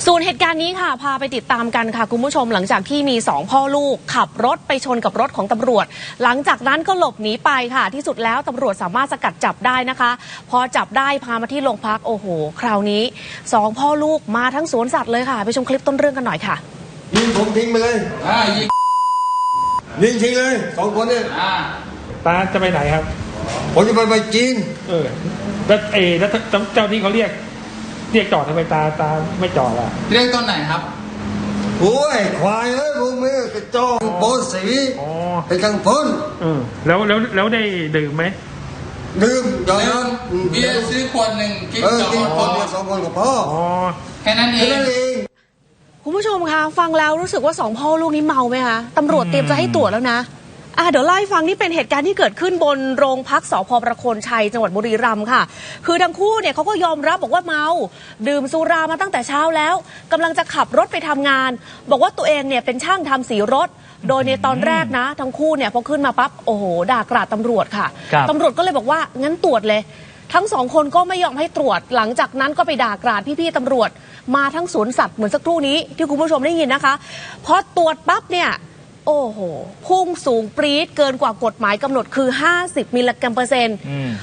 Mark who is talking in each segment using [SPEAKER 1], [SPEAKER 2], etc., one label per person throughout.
[SPEAKER 1] ส่วนเหตุการณ์นี้ค่ะพาไปติดตามกันค่ะคุณผู้ชมหลังจากที่มี2พ่อลูกขับรถไปชนกับรถของตำรวจหลังจากนั้นก็หลบหนีไปค่ะที่สุดแล้วตำรวจสามารถสกัดจับได้นะคะพอจับได้พามาที่โรงพักโอ้โหคราวนี้2พ่อลูกมาทั้งสวนสัตว์เลยค่ะไปชมคลิปต้นเรื่องกันหน่อยค่ะ
[SPEAKER 2] ยิงผมทิ้งไปเลยยิงทิ้งเลย2 คนเนี่ย
[SPEAKER 3] ตาจะไปไหนครับ
[SPEAKER 2] ผมจะไปจีน
[SPEAKER 3] แล้วเจ้าที่เขาเรียกจอดทำไมตาไม่จอดล่ะ
[SPEAKER 4] เรียกตอนไหนครับ
[SPEAKER 2] โอ้ยควายเอ้ยพวกมึงกระจองโบสีเป็นทางพ้น
[SPEAKER 3] แล้วได้ดื่มไหม
[SPEAKER 2] ดื่ม
[SPEAKER 4] เบียร์ซื้อขวดหนึ่งกิน
[SPEAKER 2] คนเดียว2 คนกับพ่อ
[SPEAKER 4] แค่นั้นเอง
[SPEAKER 1] คุณผู้ชมคะฟังแล้วรู้สึกว่า2พ่อลูกนี้เมาไหมคะตำรวจเตรียมจะให้ตรวจแล้วนะเดี๋ยวเล่าให้ฟังนี่เป็นเหตุการณ์ที่เกิดขึ้นบนโรงพักสภ.ประโคนชัยจังหวัดบุรีรัมย์ค่ะคือทั้งคู่เนี่ยเขาก็ยอมรับบอกว่าเมาดื่มสุรามาตั้งแต่เช้าแล้วกำลังจะขับรถไปทำงานบอกว่าตัวเองเนี่ยเป็นช่างทำสีรถโดยในตอนแรกนะทั้งคู่เนี่ยพอขึ้นมาปั๊บโอ้โหด่ากราดตำรวจค่ะตำรวจก็เลยบอกว่างั้นตรวจเลยทั้ง2 คนก็ไม่ยอมให้ตรวจหลังจากนั้นก็ไปด่ากราดพี่ๆตำรวจมาทั้งสวนสัตว์เหมือนสักครู่นี้ที่คุณผู้ชมได้ยินนะคะพอตรวจปั๊บเนี่ยโอ้โหพุ่งสูงปรี๊ดเกินกว่ากฎหมายกำหนดคือ50 มิลลิกรัมเปอร์เซ็นต์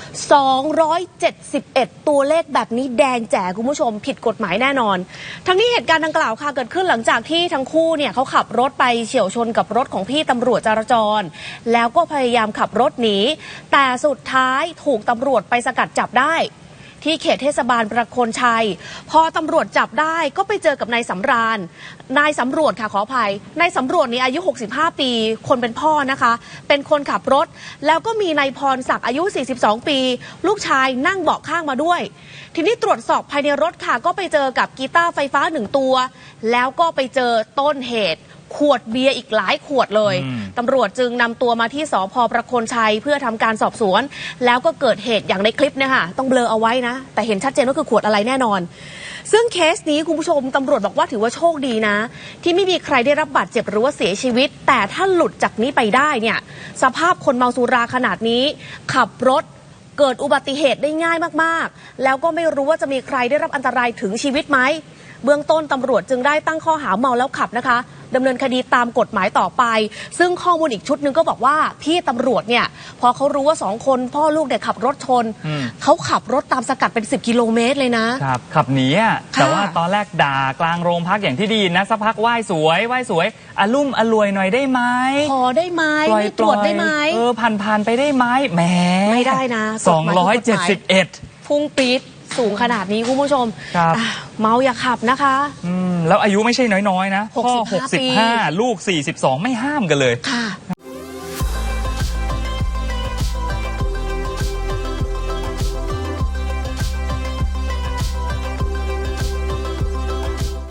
[SPEAKER 1] 271ตัวเลขแบบนี้แดงแจ๋คุณผู้ชมผิดกฎหมายแน่นอนทั้งนี้เหตุการณ์ดังกล่าวค่ะเกิดขึ้นหลังจากที่ทั้งคู่เนี่ยเขาขับรถไปเฉี่ยวชนกับรถของพี่ตำรวจจราจรแล้วก็พยายามขับรถหนีแต่สุดท้ายถูกตำรวจไปสกัดจับได้ที่เขตเทศบาลประโคนชัยพอตำรวจจับได้ก็ไปเจอกับนายสำราญนายสำรวจค่ะขออภัยนายสำรวจนี่อายุ65 ปีคนเป็นพ่อนะคะเป็นคนขับรถแล้วก็มีนายพรศักดิ์อายุ42 ปีลูกชายนั่งเบาะข้างมาด้วยทีนี้ตรวจสอบภายในรถค่ะก็ไปเจอกับกีตาร์ไฟฟ้า1 ตัวแล้วก็ไปเจอต้นเหตุขวดเบียร์อีกหลายขวดเลยตำรวจจึงนำตัวมาที่สภ.ประโคนชัยเพื่อทำการสอบสวนแล้วก็เกิดเหตุอย่างในคลิปเนี่ยค่ะต้องเบลอเอาไว้นะแต่เห็นชัดเจนว่าคือขวดอะไรแน่นอนซึ่งเคสนี้คุณผู้ชมตำรวจบอกว่าถือว่าโชคดีนะที่ไม่มีใครได้รับบาดเจ็บหรือว่าเสียชีวิตแต่ถ้าหลุดจากนี้ไปได้เนี่ยสภาพคนเมาสุราขนาดนี้ขับรถเกิดอุบัติเหตุได้ง่ายมากๆแล้วก็ไม่รู้ว่าจะมีใครได้รับอันตรายถึงชีวิตไหมเบื้องต้นตำรวจจึงได้ตั้งข้อหาเมาแล้วขับนะคะดำเนินคดีตามกฎหมายต่อไปซึ่งข้อมูลอีกชุดหนึ่งก็บอกว่าพี่ตำรวจเนี่ยพอเขารู้ว่า2 คนพ่อลูกเนี่ยขับรถชนเขาขับรถตามสกัดเป็น10 กิโลเมตรเลยนะครับ
[SPEAKER 5] ขับหนีแต่ว่าตอนแรกด่ากลางโรงพักอย่างที่ดีนะสักพักไหว้สวยอลุ่มอรวยหน่อยได้ไหม
[SPEAKER 1] ขอได้ไหมไม่ตรวจได้ไหม
[SPEAKER 5] ผ่านไปได้ไหมแหม
[SPEAKER 1] ไม่ได้นะ
[SPEAKER 5] 271
[SPEAKER 1] พุ่งปี๊ดสูงขนาดนี้คุณผู้ชมเมาอย่าขับนะคะ
[SPEAKER 5] แล้วอายุไม่ใช่น้อยๆนะพ่อ65ลูก42ไม่ห้ามกันเลยค่ะ